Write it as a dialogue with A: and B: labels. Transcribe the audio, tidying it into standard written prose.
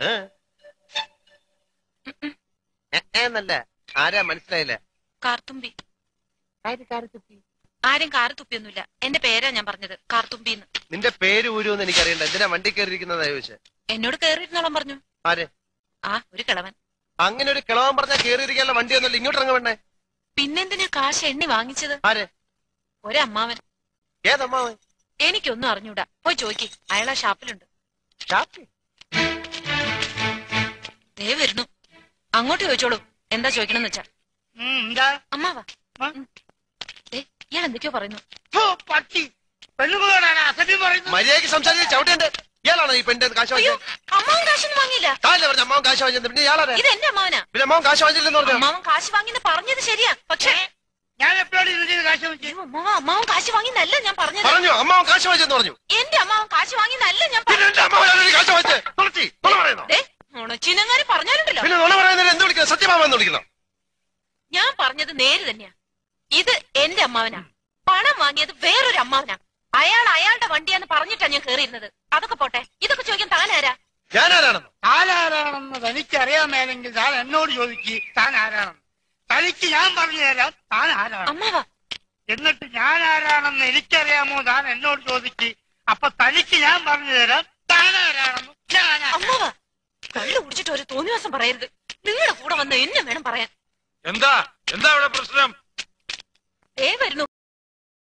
A: എന്നല്ല ആരാ മനസ്സിലായില്ല.
B: കാർത്തുമ്പി. ആരും കാറ് തുപ്പിയൊന്നുമില്ല. എന്റെ പേരാ ഞാൻ പറഞ്ഞത്, കാർത്തുമ്പിന്ന്.
A: നിന്റെ പേര് ഊരുന്ന് എനിക്കറിയണ്ട. എന്തിനാ വണ്ടി കയറിയിരിക്കുന്നതാ ചോദിച്ചേ?
B: എന്നോട് കേറിയിരുന്നോളം പറഞ്ഞു.
A: ആര്?
B: ഒരു കിളവൻ.
A: അങ്ങനെ ഒരു കിളവൻ പറഞ്ഞാൽ കയറിയിരിക്കാനുള്ള വണ്ടി ഒന്നുമില്ല. ഇങ്ങോട്ട് ഇറങ്ങ വേണ്ടേ?
B: പിന്നെന്തിനാ കാശ് എണ്ണി വാങ്ങിച്ചത്?
A: ആര്?
B: ഒരമ്മാവൻ.
A: ഏതമ്മാവൻ?
B: എനിക്കൊന്നും അറിഞ്ഞൂടാ. പോയി ചോദിക്ക്, അയാളാ ഷാപ്പിലുണ്ട്. ദേ വരുന്നു. അങ്ങോട്ട് ചോദിച്ചോളൂ, എന്താ ചോദിക്കണമെന്ന് വെച്ചാ. അമ്മാവാ, ഇയാൾ എന്തൊക്കെയോ പറയുന്നു.
A: മര്യാദയ്ക്ക് സംസാരിച്ച് ചവിട്ടേണ്ട. ഇയാളാണോ ഈ പെണ്ണിന്റെ കാശ് വാങ്ങിയത്?
B: അമ്മാവൻ കാശൊന്നും വാങ്ങിയില്ല.
A: പറഞ്ഞു അമ്മാവൻ കാശ് വാങ്ങിയത്. പിന്നെ ഇയാളാണ്.
B: ഇത് എന്റെ അമ്മാവനാ.
A: പിന്നെ അമ്മാവൻ കാശ് വാങ്ങിച്ചില്ലെന്ന് പറഞ്ഞു.
B: അമ്മാവൻ കാശ് വാങ്ങിന്ന് പറഞ്ഞത് ശരിയാ, പക്ഷേ
C: ഞാൻ എപ്പോഴാണ് കാശ് വാങ്ങിച്ചത്?
B: അമ്മാവൻ കാശ് വാങ്ങിന്നല്ല ഞാൻ പറഞ്ഞത്.
A: പറഞ്ഞു അമ്മാവൻ കാശ് വാങ്ങിച്ചെന്ന് പറഞ്ഞു.
B: എന്റെ അമ്മാവൻ കാശ് വാങ്ങിന്നല്ല ഞാൻ ചിനങ്ങാരി പറഞ്ഞാലുണ്ടല്ലോ.
A: എന്ത് വിളിക്കുന്നത്? സത്യമാമെന്ന് വിളിക്കണം.
B: ഞാൻ പറഞ്ഞത് നേര് തന്നെയാ. ഇത് എന്റെ അമ്മാവനാ. പണം വാങ്ങിയത് വേറൊരു അമ്മാവനാ. അയാൾ അയാളുടെ വണ്ടിയാന്ന് പറഞ്ഞിട്ടാ ഞാൻ കേറിയിരുന്നത്. അതൊക്കെ പോട്ടെ, ഇതൊക്കെ ചോദിക്കാൻ താനാരാ?
A: ഞാനാരാണെന്ന്?
C: താനാരാണെന്ന് തനിക്കറിയാമേലെങ്കിൽ താൻ എന്നോട് ചോദിക്ക് താൻ ആരാണെന്ന്. തനിക്ക് ഞാൻ പറഞ്ഞു തരാം താൻ ആരാണ്.
B: അമ്മാവാ.
C: എന്നിട്ട് ഞാൻ ആരാണെന്ന് എനിക്കറിയാമോ താൻ എന്നോട് ചോദിക്ക്. അപ്പൊ തനിക്ക് ഞാൻ പറഞ്ഞു തരാം താൻ ആരാണെന്ന്.
B: അമ്മാവാ, കള്ളു കുടിച്ചിട്ട് ഒരു തോന്നിവാസം പറയരുത്. നിങ്ങളുടെ കൂടെ വന്ന് എന്നെ വേണം പറയാൻ.
D: എന്താ എന്താ ഇവിടെ പ്രശ്നം?
B: വരുന്നു.